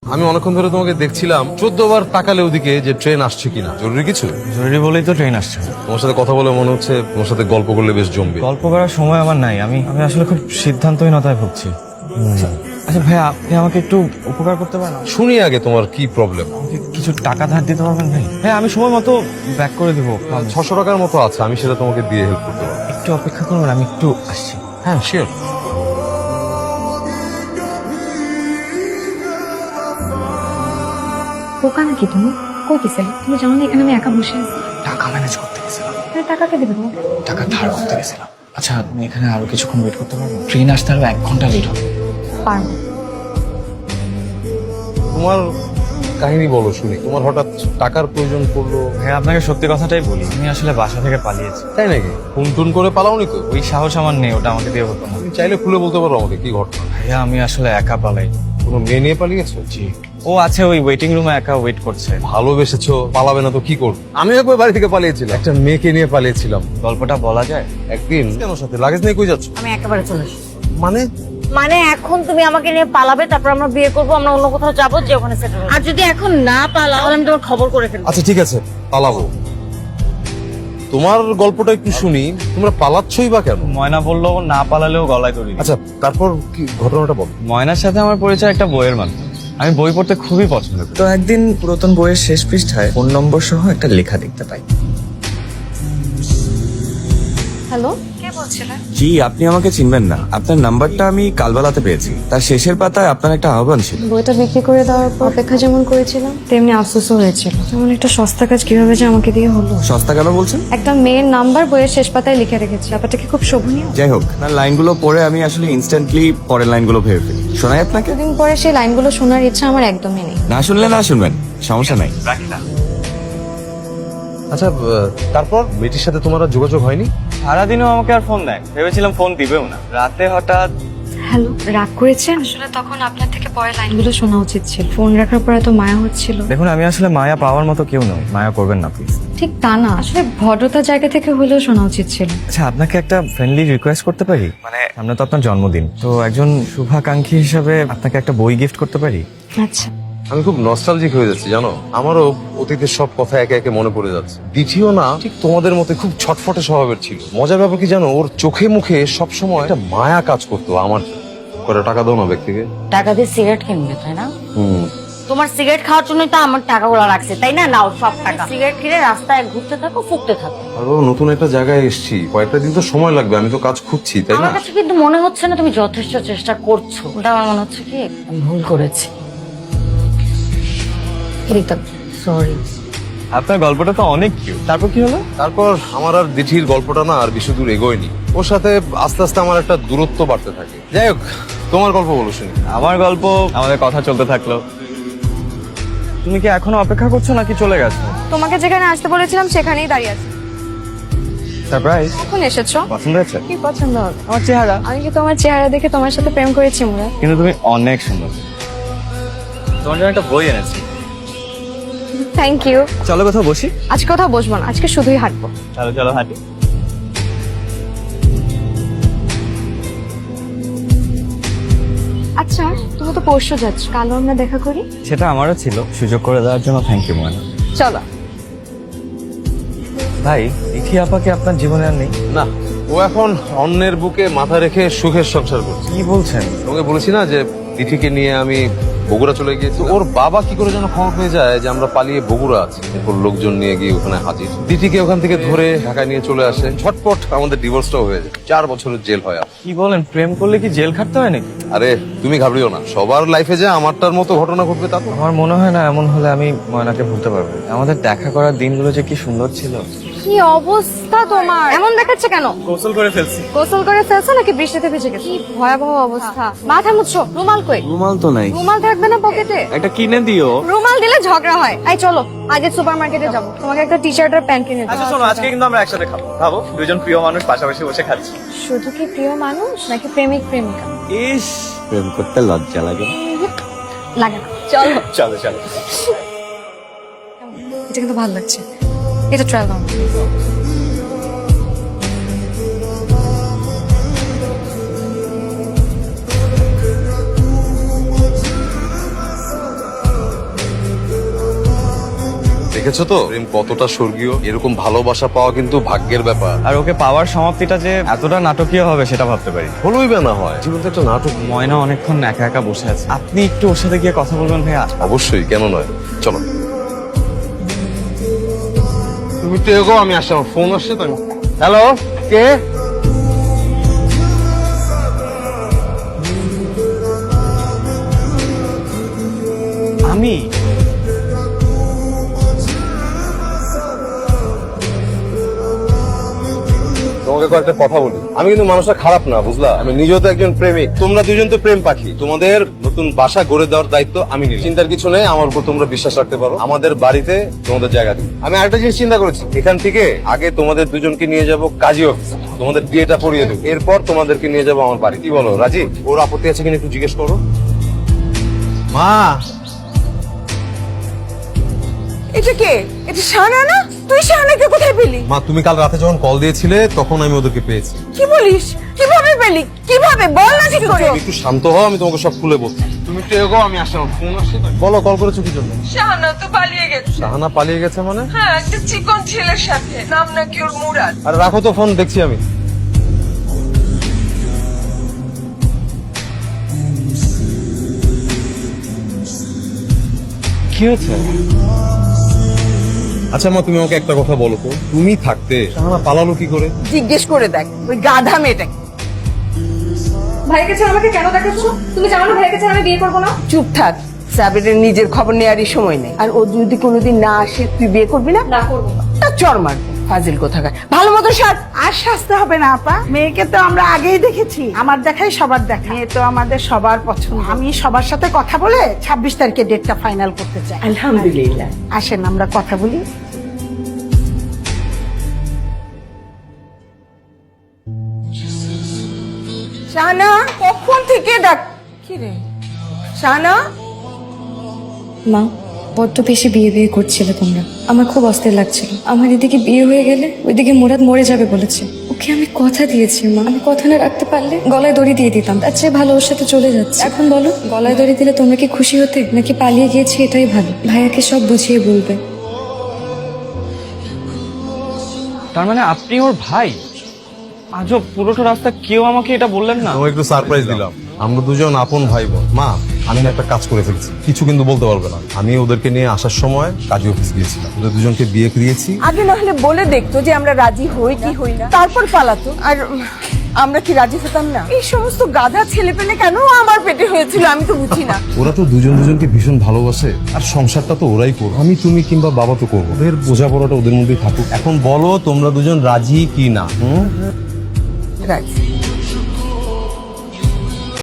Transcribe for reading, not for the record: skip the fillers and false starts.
আমি অনেকক্ষণ ধরে তোমাকে দেখছিলাম 14 বার তাকালে ওদিকে যে ট্রেন আসছে কিনা। জরুরি কিছু? জরুরি বলেই তো ট্রেন আসছে। তোমার সাথে কথা বলে মনে হচ্ছে তোমার সাথে গল্প করলে বেশ জমবে। গল্প করার সময় আমার নাই, আমি আমি আসলে খুব সিদ্ধান্তহীনতায় ভুগছি। আচ্ছা ভাই, আপনি আমাকে একটু উপকার করতে পারেন? শুনি আগে তোমার কি প্রবলেম। আমাকে কিছু টাকা ধার দিতে পারবেন ভাই? হ্যাঁ, আমি সময় মতো ব্যাক করে দিব। 600 টাকার মতো আছে, আমি সেটা তোমাকে দিয়ে হেল্প করতে পারবো। একটু অপেক্ষা করবেন, আমি একটু আসছি। হ্যাঁ শিওর। বোকা নাকি তুমি? কই গেছিলে? তুমি জানো না এখানে আমি একা বসে আছি? টাকা ম্যানেজ করতে গেছিলাম। আরে টাকা কে দেবে তোমাকে? টাকা ধার করতে গেছিলাম। আচ্ছা, আপনি এখানে আরো কিছুক্ষণ ওয়েট করতে পারবেন? ট্রেন আসতে আরো 1 ঘন্টা লেট হবে। পারবো। তোমার কাহিনী বলো শুনি। তোমার হঠাৎ টাকার প্রয়োজন পড়লো? হ্যাঁ, আপনাকে সত্যি কথাটাই বলি, আমি আসলে বাসা থেকে পালিয়েছি। তাই নাকি? ফোন টুন করে পালাওনি তো? ওই সাহস আমার নেই, ওটা আমাকে দিয়ে হতো না। তুমি চাইলে খুলে বলতে পারো আমাকে কি ঘটনা। ভাইয়া, আমি আসলে একা পালাই। কোনো মেয়ে নিয়ে পালিয়েছো? জি। ও আছে ওই ওয়েটিং রুমে একা ওয়েট করছে। ভালোবেসেছো, পালাবে না তো কি করবে? আমি একবার বাড়ি থেকে পালিয়েছিলাম, একটা মেয়েকে নিয়ে পালিয়েছিলাম। গল্পটা বলা যায়? একদিন কেন সাথে লাগেজ নিয়ে কই যাচ্ছ? আমি একেবারে চলে এসেছি। মানে মানে এখন তুমি আমাকে নিয়ে পালাবে, তারপর আমরা বিয়ে করবো, আমরা অন্য কোথাও যাবো, যে ওখানে সেটেল। আর যদি এখন না পালাও তাহলে আমি তোমার খবর করে ফেলবো। আচ্ছা ঠিক আছে, পালাবো। তোমার গল্পটা একটু শুনি। তোমরা পালাচ্ছই বা কেন? ময়না বললো না পালালেও গলায় দড়ি দিবে। আচ্ছা তারপর কি ঘটনাটা বল। ময়নার সাথে আমার পরিচয় একটা বইয়ের মাধ্যমে। আমি বই পড়তে খুবই পছন্দ করি। তো একদিন পুরাতন বইয়ের শেষ পৃষ্ঠায় ফোন নম্বর সহ একটা লেখা দেখতে পাই। হ্যালো, কে বলছিলেন? জি, আপনি আমাকে চিনবেন না। আপনার নাম্বারটা আমি কালবেলাতে পেয়েছি। তার শেষের পাতায় আপনার একটা আহ্বান ছিল। বইটা বিক্রি করে দেওয়ার পর অপেক্ষা যেমন করেছিলাম তেমনি আফসোসও হয়েছিল। যেমন একটা সস্তা কাজ কিভাবে যে আমাকে দিয়ে হলো। সস্তা কেন বলছেন? একটা মেয়ের নাম্বার বইয়ের শেষ পাতায় লিখে রেখেছে, ব্যাপারটা কি খুব শোভনীয়? যাই হোক, আপনার লাইনগুলো পড়ে আমি আসলে ইনস্ট্যান্টলি পরের লাইনগুলো ভেবে ফেলি। শোনাই আপনাকে? দুদিন পরে সেই লাইনগুলো শোনার ইচ্ছা আমার একদমই নেই। না শুনলে না শুনবেন, সমস্যা নাই। আচ্ছা তারপর মেয়েটির সাথে তোমার আর যোগাযোগ হয়নি? সারাদিনও আমাকে আর ফোন দেয়, ভেবেছিলাম ফোন দিবেও না। রাতে হঠাৎ হ্যালো, রাগ করেছেন? আসলে তখন আপনার থেকে পরে লাইনগুলো শোনা উচিত ছিল। ফোন রাখার পর এত মায়া হচ্ছিল। দেখুন, আমি আসলে মায়া পাওয়ার মতো কেউ নই, মায়া করবেন না প্লিজ। ঠিক তা না, আসলে ভদ্রতার জায়গা থেকে হলেও শোনা উচিত ছিল। আচ্ছা, আপনাকে একটা ফ্রেন্ডলি রিকোয়েস্ট করতে পারি? মানে সামনে তো আপনার জন্মদিন, তো একজন শুভাকাঙ্ক্ষী হিসাবে আপনাকে একটা বই গিফট করতে পারি? আচ্ছা, আমি খুব নস্টালজিক হয়ে যাচ্ছি জানো। আমারও অতীতের সব কথা একে একে মনে পড়ে যাচ্ছে। দ্বিতীয় না ঠিক তোমাদের মতো খুব ছটফটে স্বভাবের ছিল। মজার ব্যাপার কি জানো, ওর চোখে মুখে সবসময় একটা মায়া কাজ করতো আমার। করে টাকা দাও না ব্যক্তিকে। টাকা দিয়ে সিগারেট কিনবে, তাই না? তোমার সিগারেট খাওয়ার জন্যই তো আমার টাকাগুলো রাখছে, তাই না? নাও সব টাকা। সিগারেট কিনে রাস্তায় ঘুরতে থাকো, ফুকতে থাকো। আরো নতুন একটা জায়গায় এসেছি, কয়েকটা দিন তো সময় লাগবে। আমি তো কাজ খুঁজছি, তাই না? আমার কাছে কিন্তু মনে হচ্ছে না তুমি যথেষ্ট চেষ্টা করছো। ওটা আমার মনে হচ্ছে কি আমি ভুল করেছি। সরি। আপনার গল্পটা তো অনেক কিউট। তারপর কি হলো? তারপর আমার আর দিঠির গল্পটা না আর বেশি দূর এগোয়নি। ওর সাথে আস্তে আস্তে আমার একটা দূরত্ব বাড়তে থাকে। যাই হোক, তোমার গল্প বলো শুনি। আমার গল্প, আমাদের কথা চলতে থাকলো। তুমি কি এখনো অপেক্ষা করছো নাকি চলে গেছো? তোমাকে যেখানে আসতে বলেছিলাম সেখানেই দাঁড়িয়ে আছি। সারপ্রাইজ। কখন এসেছো? পছন্দ হয়েছে? কি পছন্দ হবে? আমার চেহারা। আমি কি তোমার চেহারা দেখে তোমার সাথে প্রেম করেছি মুরাদ? কিন্তু তুমি অনেক সুন্দর। তোমার জন্য একটা বই এনেছি। Thank you. চলো কোথাও বসি। আজকে কোথাও বসবো না, আজকে শুধুই হাঁটবো। চলো চলো হাঁটি। আচ্ছা, তুমি তো পরশু যাচ্ছ, কালও আমরা দেখা করি। সেটা আমারও ছিল, সুযোগ করে দেওয়ার জন্য থ্যাংক ইউ ময়না। চলো। ভাই, ইথি আপাকে আপনার জীবনে আর নেই? না, ও এখন অন্যের বুকে মাথা রেখে সুখের সংসার করছে। কি বলছেন? তোমাকে বলেছি না যে দিঠিকে নিয়ে আমি বগুড়া চলে গিয়েছি। ওর বাবা কি করে যেন খবর পেয়ে যায় যে আমরা পালিয়ে বগুড়া আছি। এরপর লোকজন নিয়ে গিয়ে ওখানে হাজির। দিঠিকে ওখান থেকে ধরে ঢাকায় নিয়ে চলে আসে। ঝটপট আমাদের ডিভোর্সটাও হয়ে যায়। 4 বছরের জেল হয়। কি বলেন? প্রেম করলে কি জেল খাটতে হয় নাকি? আরে তুমি ঘাবড়িও না, সবার লাইফে যে আমারটার মতো ঘটনা ঘটবে তা তো। আমার মনে হয় না এমন হলে আমি ময়নাকে ভুলতে পারবো। আমাদের দেখা করার দিনগুলো যে কি সুন্দর ছিল। কি অবস্থা তোমার? এমন দেখাচ্ছে কেন? গোসল করে ফেলছি। গোসল করে ফেলছো নাকি বৃষ্টিতে ভিজে গেছো? কি ভয়াবহ অবস্থা। মাথা মুছছো, রুমাল কই? রুমাল তো নাই। রুমাল থাকবে না পকেটে? একটা কিনে দিও। রুমাল দিলে ঝগড়া হয়। এই চলো, আগে সুপার মার্কেটে যাবো, তোমাকে একটা টি শার্ট আর প্যান্ট কিনে দেবো। আচ্ছা শোনো, আজকে কিন্তু আমরা একসাথে খাবো। খাবো, দুজন প্রিয় মানুষ পাশাপাশি বসে খাচ্ছি। শুধু কি প্রিয় মানুষ নাকি প্রেমিক প্রেমিকা? ইস, প্রেম করতে লজ্জা লাগে। লাগে না, চলো। চলো চলো। এটা কিন্তু ভালো লাগছে, এটা ট্রায়াল দাও। দেখেছো তো প্রেম কতটা স্বর্গীয়। এরকম ভালোবাসা পাওয়া কিন্তু ভাগ্যের ব্যাপার। আর ওকে পাওয়ার সমাপ্তিটা যে এতটা নাটকীয় হবে সেটা ভাবতে পারি। হলোই বা না হয়, জীবন তো একটা নাটক। ময়না অনেকক্ষণ একা একা বসে আছে, আপনি একটু ওর সাথে গিয়ে কথা বলবেন ভাইয়া? অবশ্যই, কেন নয়, চলো। তুমি একটু এগো, আমি আসছি, আমার ফোন আসছে তো। হ্যালো, কে? আমি তোমাকে কয়েকটা কথা বলি। আমি কিন্তু মানুষটা খারাপ না, বুঝলা? আমি নিজেও তো একজন প্রেমিক। তোমরা দুজন তো প্রেম পাখি। তোমাদের নতুন বাসা গড়ে দেওয়ার দায়িত্ব আমি নিই। চিন্তার কিছু নেই, আমার উপর তোমরা বিশ্বাস রাখতে পারো। আমাদের বাড়িতে তোমাদের জায়গা দিই। আমি আরেকটা জিনিস চিন্তা করেছি, এখান থেকে আগে তোমাদের দুজনকে নিয়ে যাব কাজী অফিস, তোমাদের বিয়েটা পড়িয়ে দেবো, এরপর তোমাদেরকে নিয়ে যাবো আমার বাড়ি। কি বলো রাজি? ওর আপত্তি আছে কিনা একটু জিজ্ঞেস করো। মা, এটা কে? এটা শাহানা না? তুই শাহানাকে কোথায় পেলি? মা তুমি কাল রাতে যখন কল দিয়েছিলে তখন আমি ওদেরকে পেয়েছি। কি বলিস? কিভাবে পেলি? কিভাবে বল না ঠিক করে। তুমি একটু শান্ত হও, আমি তোমাকে সব খুলে বলছি। তুমি একটু এগো, আমি আসছি, আমার ফোন আসছে তো। বলো, কল করেছো কি জন্য? শাহানা তো পালিয়ে গেছে। শাহানা পালিয়ে গেছে মানে? হ্যাঁ, একটা চিকন ছেলের সাথে, নাম নাকি ওর মুরাদ। আর রাখো তো ফোন, দেখছি আমি। কি হয়েছে? আচ্ছা মা, তুমি আমাকে একটা কথা বলো তো, তুমি থাকতে শাহানা পালালো কি করে? জিজ্ঞেস করে দেখ ওই গাধা মেয়েটাকে। ভাইয়ের কাছে আমাকে কেন দেখাচ্ছ? তুমি জানো না ভাইয়ের কাছে আমি বিয়ে করবো না? চুপ থাক, সাবিরের নিজের খবর নেওয়ারই সময় নেই। আর ও যদি কোনোদিন না আসে, তুই বিয়ে করবি না? না করবো না। তার চর মারবো, ফাজিল কোথাকার। ভালো মতো সাজ। আর সাজতে হবে না আপা, মেয়েকে তো আমরা আগেই দেখেছি। আমার দেখাই সবার দেখা, মেয়ে তো আমাদের সবার পছন্দ। আমি সবার সাথে কথা বলে 26 তারিখে ডেটটা ফাইনাল করতে চাই। আলহামদুলিল্লাহ। আসেন আমরা কথা বলি। শাহানা, কখন থেকে ডাক? কি রে শাহানা? মা, বড্ড বেশি বিয়ে বিয়ে করছিলে তোমরা, আমার খুব অস্থির লাগছিল। আমার এদিকে বিয়ে হয়ে গেলে ওইদিকে মুরাদ মরে যাবে বলেছে। ওকে আমি কথা দিয়েছি মা, আমি কথা না রাখতে পারলে গলায় দড়ি দিয়ে দিতাম। তার চেয়ে ভালো ওর সাথে চলে যাচ্ছে। এখন বলো, গলায় দড়ি দিলে তোমরা কি খুশি হতে, নাকি পালিয়ে গিয়েছি এটাই ভালো? ভাইয়াকে সব বুঝিয়ে বলবে। তার মানে আপনি ওর ভাই? আজও পুরোটা রাস্তা কেউ আমাকে এটা বললেন না। তোমাকে একটু সারপ্রাইজ দিলাম। আমরা দুজন আপন ভাই বোন। মা, আমি না একটা কাজ করে ফেলছি, কিছু কিন্তু বলতে পারবে না। আমি ওদেরকে নিয়ে আসার সময় কাজী অফিস গিয়েছিলাম, ওদের দুজনকে বিয়ে দিয়েছি। আগে না হলে বলে দেখতো যে আমরা রাজি হই কি হই না, তারপর পালাতো। আর আমরা কি রাজি হতাম না? এই সমস্ত গাধা ছেলে পেলে কেন আমার পেটে হয়েছিল আমি তো বুঝি না। ওরা তো দুজন দুজনকে ভীষণ ভালোবাসে, আর সংসারটা তো ওরাই করবে। আমি, তুমি কিংবা বাবা তো করবো। ওদের বোঝাপড়াটা ওদের মধ্যেই থাকুক। এখন বলো তোমরা দুজন রাজি কি না? রাজি।